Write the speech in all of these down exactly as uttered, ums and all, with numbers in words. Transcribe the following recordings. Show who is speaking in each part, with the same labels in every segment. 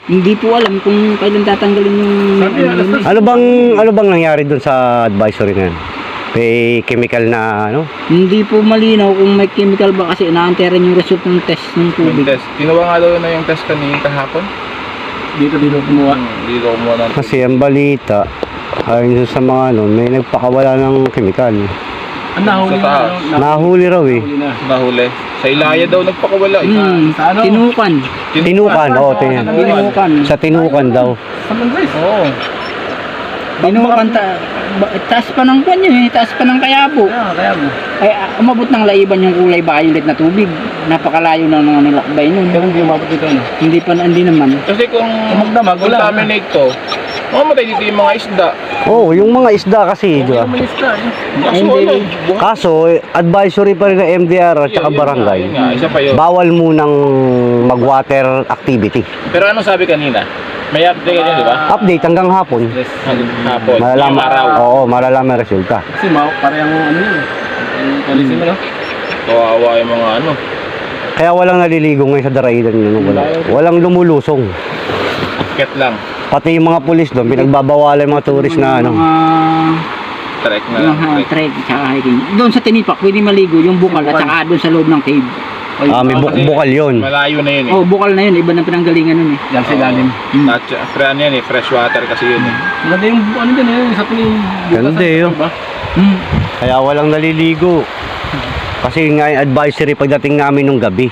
Speaker 1: Hindi po alam kung kailan tatanggalin yung...
Speaker 2: Ano bang ano bang nangyari doon sa advisory na yan? May chemical na ano?
Speaker 1: Hindi po malinaw kung may chemical ba kasi inaantay rin yung result ng test ng
Speaker 3: Yung
Speaker 1: tubig.
Speaker 3: test. Ginawa nga daw na yung test kanina kahapon.
Speaker 4: Dito, dito kumuha.
Speaker 3: Hmm, dito kumuha ng
Speaker 2: Kasi ang balita, ayon sa mga ano, may nagpakawala ng chemical.
Speaker 4: Ang nahuli
Speaker 3: Sa
Speaker 4: na,
Speaker 3: taas.
Speaker 4: ano,
Speaker 2: Nahuli raw eh.
Speaker 4: nahuli na.
Speaker 3: nahuli. Sa Ilaya daw nagpakawala. eh.
Speaker 1: Hmm,
Speaker 4: Sa ano?
Speaker 1: tinukan.
Speaker 2: Tinukan, oo, tin
Speaker 1: Tinukan.
Speaker 2: sa tinukan daw.
Speaker 4: Sa Mangres.
Speaker 3: Oo.
Speaker 1: Tinukan, ta ba- taas pa ng kwan yun eh, taas pa ng Kayabo.
Speaker 4: Kaya, kaya mo.
Speaker 1: Ay, ah, umabot ng laiban yung kulay violet na tubig. Napakalayo na ng nilakbay nun.
Speaker 4: Pero hindi umabot dito, ano?
Speaker 1: Hindi pa, hindi naman.
Speaker 3: Kasi kung
Speaker 4: magdamag, wala.
Speaker 3: contaminate to, mamamatay dito yung mga isda.
Speaker 2: Oo, yung mga isda kasi, di ba?
Speaker 4: Minista, eh.
Speaker 3: Kaso
Speaker 1: Hindi.
Speaker 3: ano, buhay.
Speaker 2: Kaso, eh, advisory pa rin ng M D R at saka
Speaker 3: Yun, yun
Speaker 2: barangay.
Speaker 3: nga, yun nga, isa pa yun.
Speaker 2: Bawal munang mag-water activity.
Speaker 3: Pero ano sabi kanina? May update kanina, di ba?
Speaker 2: Update hanggang hapon.
Speaker 4: Yes.
Speaker 3: Hanggang hapon.
Speaker 2: Malalaman,
Speaker 3: Yung araw.
Speaker 2: oo, malalaman resulta.
Speaker 4: Kasi ma parang ano yun. Yung policy mo, no?
Speaker 3: Kawawa yung mga ano.
Speaker 2: Kaya walang naliligo ngayon sa daraidan yun. Wala. Walang lumulusong.
Speaker 3: Ket lang.
Speaker 2: Pati yung mga pulis doon, pinagbabawalan yung mga tourist na ano.
Speaker 1: Mga,
Speaker 3: Trek na
Speaker 1: yung
Speaker 3: lang.
Speaker 1: uh,
Speaker 3: Trek.
Speaker 1: trek, tsaka hiking. Doon sa Tinipak, pwede maligo yung bukal at saka doon sa loob ng cave.
Speaker 2: Ah, may
Speaker 3: Oo,
Speaker 2: buk
Speaker 3: kasi
Speaker 2: bukal yun.
Speaker 3: Malayo na yun eh.
Speaker 1: Oh, bukal na yun, iba na pinanggalingan nun eh.
Speaker 4: Yan sa ilalim.
Speaker 1: Hmm.
Speaker 3: At pre ano yan eh, fresh water kasi yun eh.
Speaker 4: Maganda yung ano din, eh. Sa tuwing...
Speaker 2: Ganda, eh, yun.
Speaker 1: Hmm.
Speaker 2: Kaya walang naliligo. Kasi nga yung advisory pagdating namin nung gabi.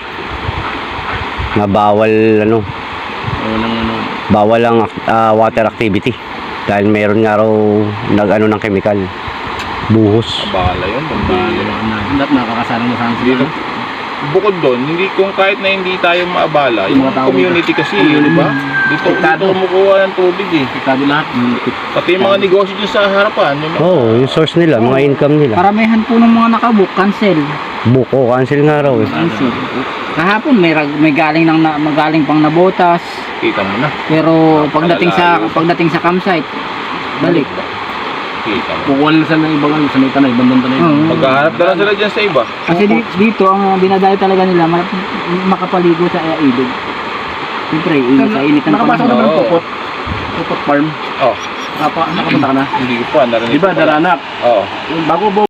Speaker 2: Na bawal ano,
Speaker 4: Walang ano.
Speaker 2: bawal ang ah, water activity. Dahil meron nga raw nag-ano ng chemical. Buhos.
Speaker 3: Bala yun. Bala yun.
Speaker 4: Dapat nakakasalang mo sa
Speaker 3: Dito, bukod doon, hindi kung kahit na hindi tayo maabala,
Speaker 4: Yung
Speaker 3: yung
Speaker 4: mga tao
Speaker 3: community kasi, di ba? Dito, dito kumukuha ng tubig eh.
Speaker 4: Piktado lahat.
Speaker 3: Pati yung mga negosyo dyan sa harapan, yung mga,
Speaker 2: Oo, oh, yung source nila, mga income nila.
Speaker 1: Karamihan po ng mga nakabook, cancel.
Speaker 2: Buko, cancel nga raw eh.
Speaker 1: Cancel. Kahapon may rag- may galing nang na, magaling pang nabotas.
Speaker 3: kita mo na.
Speaker 1: Pero pagdating sa
Speaker 3: Napakalayo.
Speaker 1: pagdating sa campsite, balik.
Speaker 3: Kita mo.
Speaker 4: Kukuha nila sa ibang ano, sa may tanay, ibang tanay.
Speaker 1: Oo.
Speaker 3: Maghahanap na lang sila dyan sa iba.
Speaker 1: Kasi di- dito ang dinadayo talaga nila ma- makapaligo sa uh, ilog. Siyempre, init sa init ng
Speaker 4: Nakapasok
Speaker 1: panahon.
Speaker 4: naman ng
Speaker 3: Oo.
Speaker 4: Pupot. Pupot Farm.
Speaker 3: Oh,
Speaker 4: Napa, nakapunta ka na.
Speaker 3: hindi ko pa narinig.
Speaker 4: Di ba,
Speaker 3: ko pa.
Speaker 4: Daranak?
Speaker 3: Oo.
Speaker 4: Yung bago